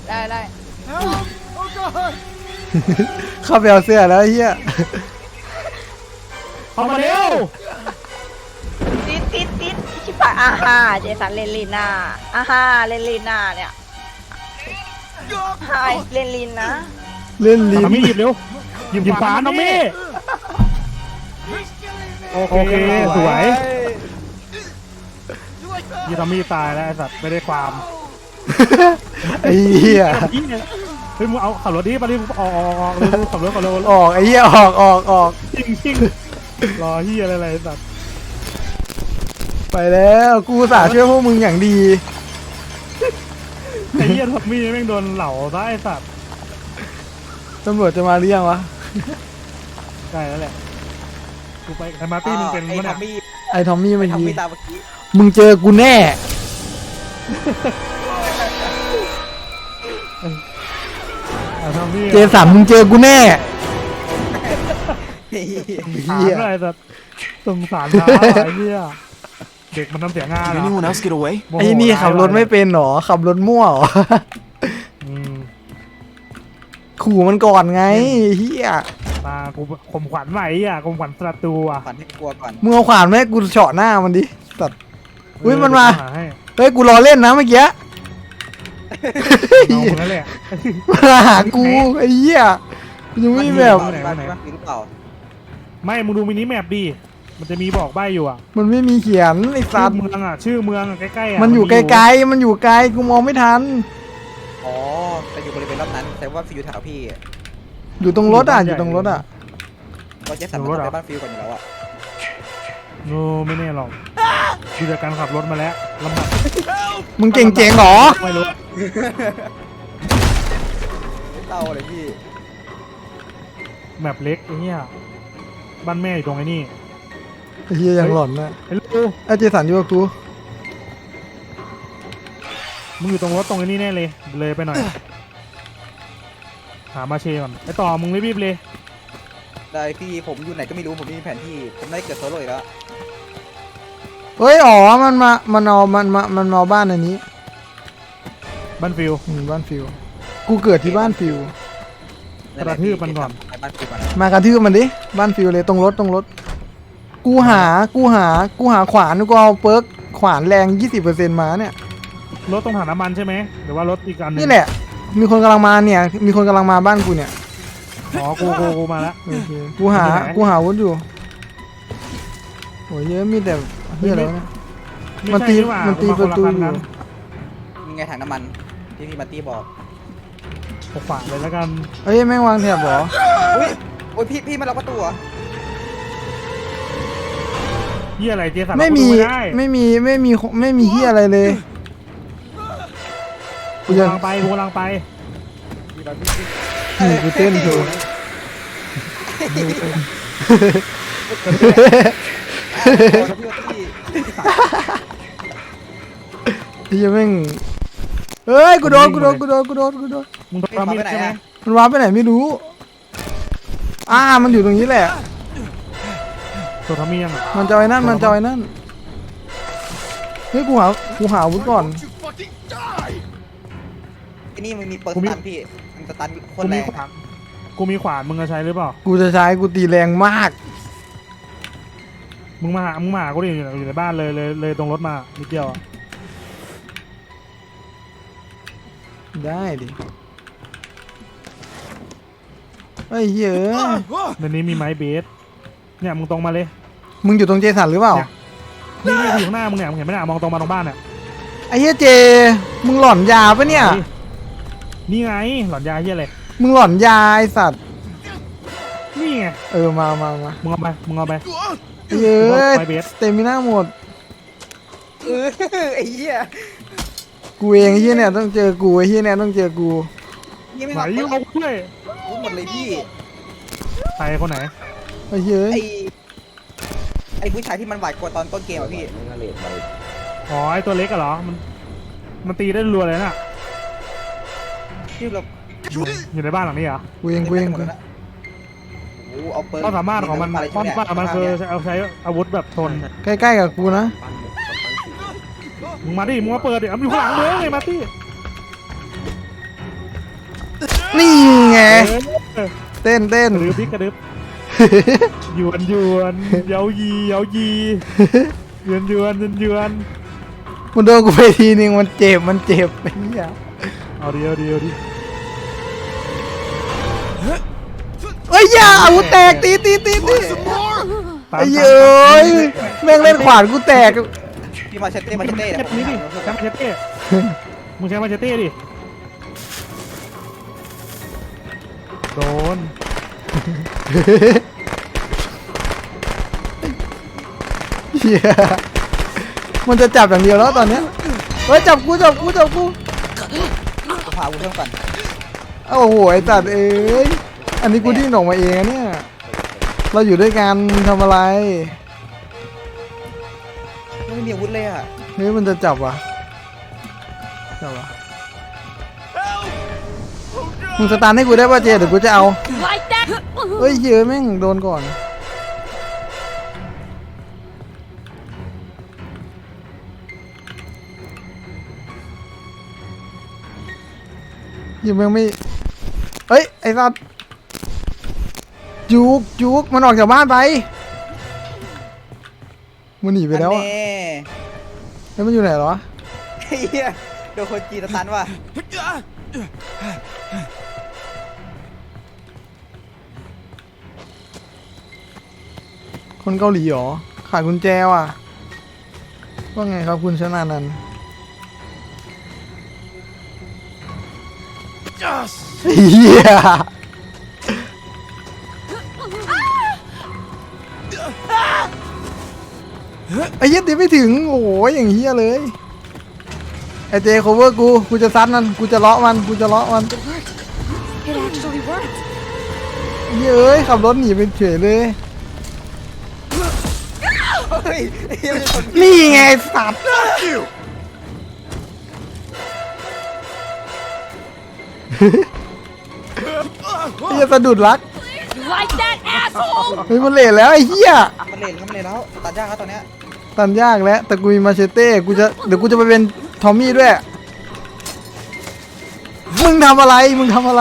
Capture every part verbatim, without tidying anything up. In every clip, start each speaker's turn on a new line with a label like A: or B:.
A: ได้ได้
B: เข้าไปเอาเสื้อแล้วไอ้เฮีย
C: เข้ามาเร็ว
A: ติดติดติดชิบหายอาฮ่าเจสันเลนลีน่าอาฮ่าเลนลีน่าเนี่ยไฮเลนลีนนะ
B: เล่นลิ้น
C: น้องมี่หยิบเร็วหยิบหยิบขวานน้องมี่โอเคสวยยี่น้องมี่ตายแล้วไอ้สัตว์ไม่ได้ความ
B: ไอ้เหี้ย
C: เฮ้ยมึงเอาขับรถดิไปดิออกออกออกเร็วขับรถขับรถ
B: ออกไอ้เหี้ยออกออกออก
C: จริงจริงรอเฮียอะไรอะไรสัตว์
B: ไปแล้วกูอุตสาห์ช่วยพวกมึงอย่างดี
C: ไอ้เฮียทับมี่แม่งโดนเหล่าซะไอ้สัตว์
B: ตำรวจจะมาหรือยังวะ
C: ใช่แล้วแหละกูไปไอ้มาร์ตี้มึงเป็น
D: ไอ้
C: มั้ย
D: ทอ
C: นะ
D: มมี่
B: ไอ้ทอมมี่
D: ไอ้
B: เมื่อ
D: ทอม
B: กี้
D: มี่ตามเมื่อกี้
B: มึงเจอกูแน่
C: ไอ้ทับมี่
B: เจสันมึงเจอกูแน่
C: ถาม
B: เหี้ย
C: อะไรสัตว์สงสารน้าไอ้เฮียเด็กมันทำเสียงงานเหร
E: Did
C: อ
E: anyone else get away?
B: ไอ้นี่ขับรถไม่เป็นหรอขับรถมั่วหรอ
C: อืม
B: ขู่มันก่อนไงเฮีย
C: มากูข่มขวัญใหม่อ่ะข่มขวัญศัตรูอ่ะ
D: ฝันให้กลัวก่อน
B: มึงเอาขวานมาให้กูเฉาะหน้ามันดิสัตว์อุ้ย
C: เออ
B: มันมา
C: เดี๋ยวกูหให้
B: เฮ้ยกูรอเล่นนะเมื่อกี้
C: เอามึงนั่นแหละ
B: มาหากูไอ้เหี้ยยังไม่แบบ
C: ไหน
D: บ้าน
C: ไหน
D: บ้านมีหรือเปล่า
C: ไม่มึงดูมินิแมปดิมันจะมีบอกใบอยู่อ่ะ
B: มันไม่มีเขียนไอ้
C: ชื่
B: สั
C: อ
B: ตว์
C: เมืองอ่ะชื่อเมืองอะใกล้ๆอ่ะ
B: มันอยู่ไกลๆมันอยู่ไกลกูมองไม่ทัน
D: อ๋อแต่อยู่บริเวณรอบนั้นแต่ว่าฟิวแถวพี่
B: อยู่ตรงรถอ่ะอยู่ตรงรถอ่ะ
D: ก็เจสันมันต้องไปบ้านฟิวก่อนอยู่แล้วอะ
C: โนไม่แน่หรอกดูจากการขับรถมาแล้วลำบาก
B: มึงเก่งเจ๋งเหรอ
C: ไม่รู้
D: เต้าเลยพี่
C: แมปเล็กไอ้เหี้ยบ้านแม่อยู่ตรงไอ้นี่
B: ไอ้เหี้ยยังหลอนนะ
C: ไอ้ลูก
B: ไอ้เจสันอยู่กับกู
C: มึงอยู่ตรงรถตรงไอ้นี่แน่เลยเลยไปหน่อยหามาเชก่อนไอ้ต่อมึงรีบๆเลย
D: ได้พี่ผมอยู่ไหนก็ไม่รู้ผมไม่มีแผนที่ผมได้เกิดโซโล่อีกแล้ว
B: เฮ้ยอ๋อมันมามันเอามันมามันมาบ้านอันนี้
C: บ้านฟิว
B: อืมบ้านฟิวกูเกิดที่บ้านฟิว
C: กระทืบมันก่อน
D: ไปบ้านฟิวก่อน
B: มากระทืบมันดิบ้านฟิวเลยตรงรถตรงรถ กูหากูหากูหาขวานกูเอาเปิร์กขวานแรง ยี่สิบเปอร์เซ็นต์ มาเนี่ย
C: รถตรงถังน้ำมันใช่ไหมหรือว่ารถอีกอันหนึง
B: นี่แหละ มีคนกำลังมาเนี่ย มีคนกำลังมาบ้านกูเนี่ย
C: อ๋อกูกูกูมาแล้ว
B: โอเคกูหา
C: อยู่ไหน
B: กูหาวุ้นอยู่โอ้ยเยอะมีแต่เฮียอะไรวะเนี่ย มันตี
C: ไใช่หว่า
B: มันตี
C: กูา
B: ประตู
C: คนลคัน
B: อยู่
C: กัน
D: มีไงถังน้ำมันที่พี่มาร์ตี้บอก
C: กูฝากเลยแล้วกัน
B: เอ้ยแม่งวางแถบเหรอ
D: อุ้ยโอ้ยพี่พี่มาล็อกประตูเหรอ
C: เหี้ยอะไรเจสัน
B: ไม่มี
C: กูดูด้
B: ไม่มีไม่มีไม่มีเฮียอะไรเลย
C: กูกำลังไปกูกำลังไป
B: นี่กูเต้นโชว์
D: พี่มาร์ตี้
B: เฮียแม่งเฮ้ยกูโดนกูโดนกูโดนกูโดนกูโดน
C: มึงโดนมีดใช่ไหม
B: มันวาร์ปไปไหนไม่รู้อ่ามันอยู่ตรงนี้แหละ
C: ตัวทำมียังอ่ะ
B: มันจะเอาไอ้นั่นมันจะเอาไอ้นั่นเฮ้ยกูหากูหาอาวุธก่อน
D: ไอ้นี่มันมีเปิดสตันพี่มันสตันโค
C: กู
D: นแร
C: มี
D: ง
C: ขวานกูมีขวานมึงจะใช้หรือเปล่า
B: กูจะใช้กูตีแรงมาก
C: มึงมาหามึงมาหากูดิอยู่อยู่ในบ้านเลยเลยเลยตรงรถมานิดเดียวอะ
B: ได้ดิไอ้ยเหี้ยเอะ
C: ในนี้มีไม้เบสเนี่ยมึงตรงมาเลย
B: มึงอยู่ตรงเจสันหรือเปล่า
C: นี่นี่อยู่ข้างหน้ามึงเนี่ยมึงเห็นไหมเนี่ยมองตรงมาตรงบ้านเนี่ย
B: ไอ้เหี้ยเจ มึงหลอนยาปะเนี่ย
C: นี่ไงหลอนยาเฮียอะไร
B: มึงหลอนยาไอสัตว์
C: นี่ไง
B: เออมามามา
C: มึงเอาไปมึงเอาไป
B: ไอ้เหี้ยเอะ
C: ไปเบส
B: สเตมิน่าหมด
D: เออไอ้เหี้ย
B: กูเองไอ้เหี้ยเนี่ยต้องเจอกูไอ้เหี้ยเนี่ยต้องเจอกู
D: ยังไม่
C: ไหน
D: มา
C: ยิงเอาด้วย
D: พูดหมดเลยพี่
C: ใครคนไหน
B: ไอ้เหี้ย
D: ไอ้ไอ้ผู้ชายที่มันหวาดกลัวตอนต้นเกมอะพี่
C: อ๋อไอตัวเล็กอะเหรอมันมันตีได้รัวเลยน่ะ
D: ที่เรา
C: อยู่ในบ้านหลังนี้เหรอ
B: กูเองกูเองกู
D: โอ้เอาเปิด
C: ความสามารถของมัน
D: อะไร
C: ความสามารถของมันคือเอาใช้อาวุธแบบทน
B: ใกล้ๆกับกูนะ
C: มึงมาดิมึงมาเปิดดิเอาอยู่ข้างหลังมึงไงมาตี้
B: นี่ไง
C: เออ
B: เต้นเต้น
C: กระดึบพี่กระดึบหยวนหยวนเย้ายีเย้ายีหยวนหยวนหยวนหยวน
B: มันโดนกูไปทีนึงมันเจ็บมันเจ็บไอ้เหี้ย
C: เอาดิเอาดิเอาดิ
B: เอ้ยอย่าอาวุธแตกตีตีตีตี
C: ตาม
B: ไอ้เย้ยแม่งเล่นขวานกูแตก
D: พี่มาเชตเต้มาเชตเต้
C: เก็
D: เดี๋ย
C: บ
D: วผม
C: นี้ดิ
D: หา
C: ใช้มาเชตเต้มึงใช้มาเชตเต้ดิโดน
B: เหี้ยมันจะจับอย่างเดียวแล้วตอนเนี้ยเฮ้ยจับกูจับกูจับกู
D: ผมหาอาวุธเพิ่มก่อน
B: โอ้โหไอ้ตัดเอ้ยอันนี้กูดิ้นออกมาเองอะเนี่ยเราอยู่ด้วยกันทำอะไร
D: ไม่มีอาวุธเลยอ่ะ
B: เฮ้ยมันจะจับวะจับวะมึงสตาร์ทให้กูได้ป่ะเจเดี๋ยวกูจะเอา
A: like that
B: เฮ้ยเหี้ยแม่งโดนก่อนยังแม่งไม่เฮ้ยไอ้สัตว์จุกจุกมันออกจากบ้านไปมันหนีไปแล้ว
D: อั
B: อะ
D: นนี้
B: แล้วมันอยู่ไหนเหรอ
D: เฮียโดนคนจีนสตันว่ะ
B: คนเกาหลีเหรอขายกุญแจว่ะว่าไงครับคุณชนานันท์เฮียไอ้เหี้ยตีไม่ถึงโอ้ยอย่างเฮียเลยไอ้เจโคเวอร์กูกูจะซัดมันกูจะเลาะมันกูจะเลาะมัน
A: it actually worked
B: เหี้ยเอ้ยขับรถหนีไปเฉยเลย
D: เฮ้ยเฮียเป็นคน
B: นี่ไงไอ้สัตว์เฮียสะดุดรัก
A: like that asshole
B: เฮ้ยมันเละแล้วไอ้เหี้ย
D: มันเล่นแล้วมันเล่นแล้วตัดยากแล้วตอนเนี้ย
B: ตันยากแล้วแต่กูมีมาเชเต้กูจะเดี๋ยวกูจะไปเป็นทอมมี่ด้วยมึงทำอะไรมึงทำอะไร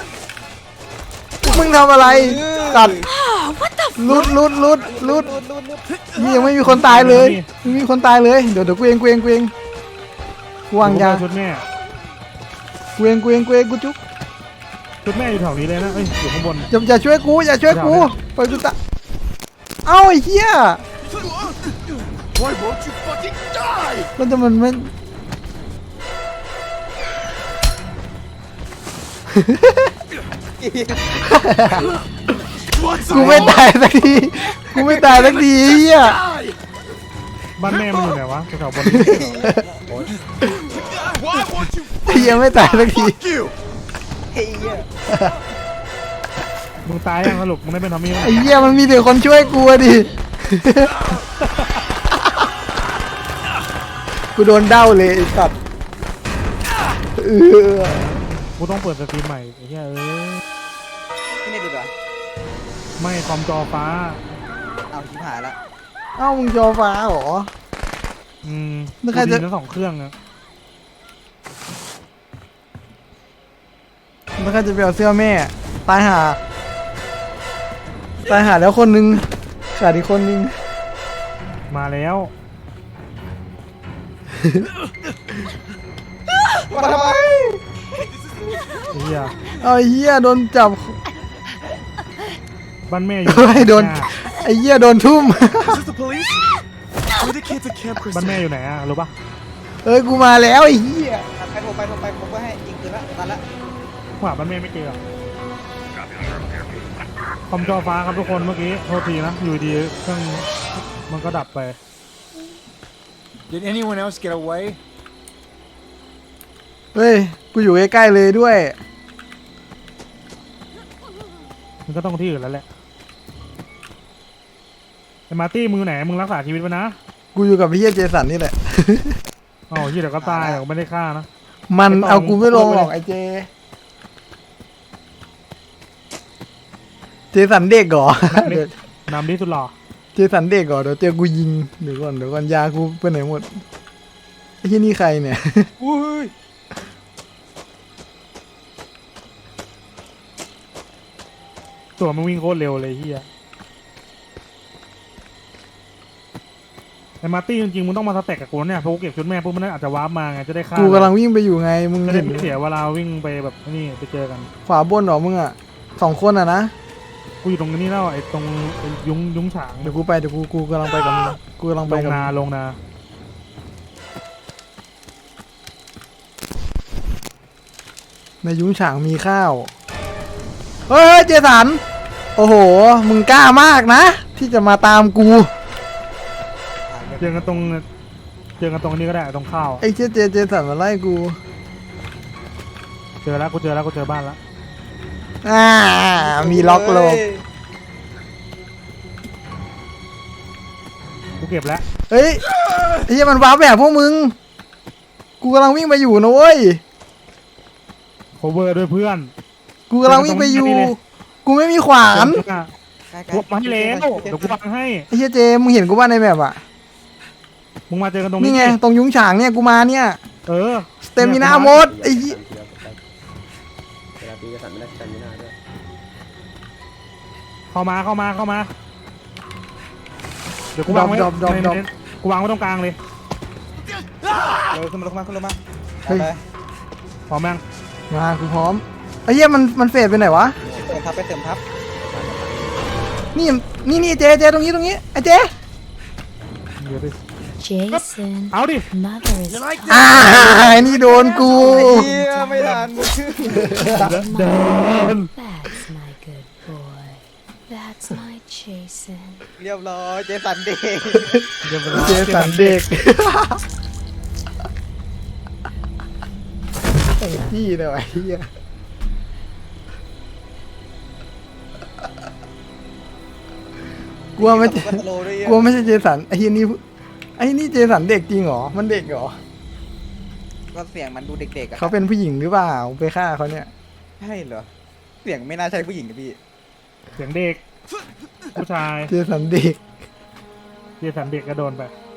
B: มึงทำอะไรตัดลุดลุดลุดลุด
D: รูดรูดรูด
B: นี่ยังไม่มีคนตายเลยไม่มีคนตายเลยเดี๋ยวเดี๋ยวกูเองกูเองกูเองกูวางยา
C: ชุดแม่
B: กูเองกูเองกูเองกูจุ๊บ
C: ชุดแม่อยู่แถวนี้เลยนะเอ้ยอยู่ข้างบน
B: อย่าอย่าช่วยกูอย่าช่วยกูไปกูตะเอ้าไอ้เหี้ย
E: Why won't you fucking die?
B: มันจะมันไม่ กูไม่ตายสักทีกูไม่ตายสักทีไอ้เหี้ย
C: บ้านแม่มันอยู่ไหนวะแถวๆบน
E: Why won't you
B: ไอ้เหี้ยไม่ตายสักที
E: fuck you?
D: เฮีย
C: มึงตายยังสรุปมึงได้เป็นทอมมี่ไหม
B: ไอ้เหี้ยมันมีแต่คนช่วยกูอะดิ กูโดนเด้าเลยไอ้สัตว์เออ
C: กูต้องเปิดสตรีมใหม่ไอ้เหี้ยเอ้ย
D: พี่เนี่ยดูดิ
C: ไม่คอมจอฟ้า
D: เอาชิบหายละ
B: เอ้ามึงจอฟ้าเหรอ
C: อืม
B: แล้วใครจะ
C: กูดีทั้งสองเครื่องอะ
B: แล้วใครจะไปเอาเสื้อแม่ ตายหา ตายหาแล้วคนนึงขาดอีกคนนึง
C: มาแล้ว
D: มาทำไม
C: ไอ้เหี้ย
B: เอาไอ้เหี้ยโดนจับ
C: บ้านแม่อยู่
B: เฮ้ยโดน ไอ้เหี้ยโดนทุ่ม
E: Is this the police? We're the kids at Camp
C: บ้าน
E: Crystal.
C: แม่อยู่ไหนอะรู้ปะ
B: เอ้ยกูมาแล้วไอ้เหี้ย
D: ไปโทรไปโทรไปผมก็ให้ยิงคืนละตันละ
C: หาบ้านแม่ไม่เจออะคอมจอฟ้าครับทุกคนเมื่อกี้โทษทีนะอยู่ดีเครื่องมันก็ดับไป
E: Did anyone else get away?
B: เฮ้ย กูอยู่ใกล้ๆเลยด้วย
C: มันก็ต้องที่อื่นแล้วแหละไอ้มาร์ตี้มึงอยู่ไหนมึงรักษาชีวิตไว้นะ
B: กูอยู่กับพี่เหี้ยเจสันนี่แหละ
C: อ๋อเหี้ยเดี๋ยวก็ตายเดี๋ยวก็ไม่ได้ฆ่านะ
B: มัน
C: ไม่ต้อง
B: เอากูไม่ลงหรอกไอ้เจ เจสันเด็กเหรอ เดี๋ยวน
C: ำดีสุดหล่อ
B: เจสันเด็กเหรอเดี๋ยวเจอกูยิงเดี๋ยวก่อนเดี๋ยวก่อนยากูไปไหนหมดไอ้ที่นี่ใครเนี่ย
D: อุ้ย
C: ตัวมันวิ่งโคตรเร็วเลยเฮียไอ้มาร์ตี้จริงๆมึงต้องมาสแต็กกับกูเนี่ยเพราะกูเก็บชุดแม่ปุ๊บมันอาจจะวาร์ปมาไงจะได้ฆ่า
B: กูกำลังวิ่งไปอยู่ไงมึง
C: จะได้
B: เห็น
C: ไม่เสียเวลาวิ่งไปแบบนี่ไปเจอกัน
B: ขวาบนเหรอมึงอ่ะสองคนอ่ะนะ
C: กูอยู่ตรงนี้แล้วไอ้ตรงไอ้ยุ้งยุ้งฉาง
B: เดี๋ยวกูไปเดี๋ยวกูกูกำลังไปกับมึงกูกำลัง
C: ล
B: ไป
C: ง
B: กับ
C: นา
B: มึง
C: ลงนา
B: ในยุ้งฉางมีข้าวเฮ้ยเจสันโอ้โหมึงกล้ามากนะ ที่จะมาตามกู
C: เจอกันตรงเจอกันตรงนี้ก็ได้ตรงข้าว
B: ไอ้เจ๊เจเจสันมาไล่กู
C: เจอแล้วกูเจอแล้วกูเจอบ้านแล้ว
B: อ่ามีล็อกโลก
C: กูเก็บแล้ว
B: เฮ้ยไอ้เหี้ยมันว้าร์ปแบบพวกมึง กูกำลังวิ่งไปอยู่นะเว้ย
C: โคเวอร์ด้วยเพื่อน
B: กูกำลังวิ่งไปอยู่
C: เจอกันตรงนี้เลย
B: กูไม่มีขวาน
C: กูมาให้แล้วเดี๋ยวกูวางให้
B: ไอ้เหี้ยเจมึงเห็นกูว่าในแบบอ่ะ
C: มึงมาเจอกันตรงนี้
B: นี่ไง
C: ดิ
B: ตรงยุ้งฉางเนี่ยกูมาเนี่ย
C: เออ
B: สเตมินาหมดไอ้เหี้ย
F: เวลาตีกระสันไม่ได้สแตมินาด้วย
C: เข้ามาเข้ามาเข้ามาเดี๋ยวกูวางไว้ในในกูวางไว้ตรงกลางเลย
D: เออขึ้นมาลงมาขึ้นลงมา
B: เฮ้ย
D: ไป
C: พร้อมยัง
B: มากูพร้อมไอ้เหี้ยมันมันเฟดไปไหนวะ
D: เติมทับไปเติมทับ
B: นี่นี่นี่เจเจตรงนี้ตรงนี้ไอ้เจ
C: เดี๋ยวดิ
G: Jason,
C: เอาดิ
G: mother is
B: อ่าไอ้นี่โดนกู
D: เฮียไม่ทัน
C: เดิน
G: That's my good boy. That's my Jason.
D: เรียบร้อยเจสันเด็ก
C: เดี๋ยวไปรอ
B: เจสันเด็กไอ้พี่เนี่ยไอ้เหี้ยกลัวไม่
D: ก็สโลว์ด้วยเหี้ย
B: กลัวไม่ใช่เจสันไอ้เหี้ยนี่ไอ้นี่เจสันเด็กจริงเหรอมันเด็กเหรอ
D: ก็เสียงมันดูเด็กๆอ่ะ
B: เขาเป็นผู้หญิงหรือเปล่าไปฆ่าเขาเนี่ย
D: ใช่เหรอเสียงไม่น่าใช่ผู้หญิงนะพี่
C: เสียงเด็ก ผู้ชาย
B: เจสันเด็ก
C: เจสันเด็กก็โดนไป
D: เ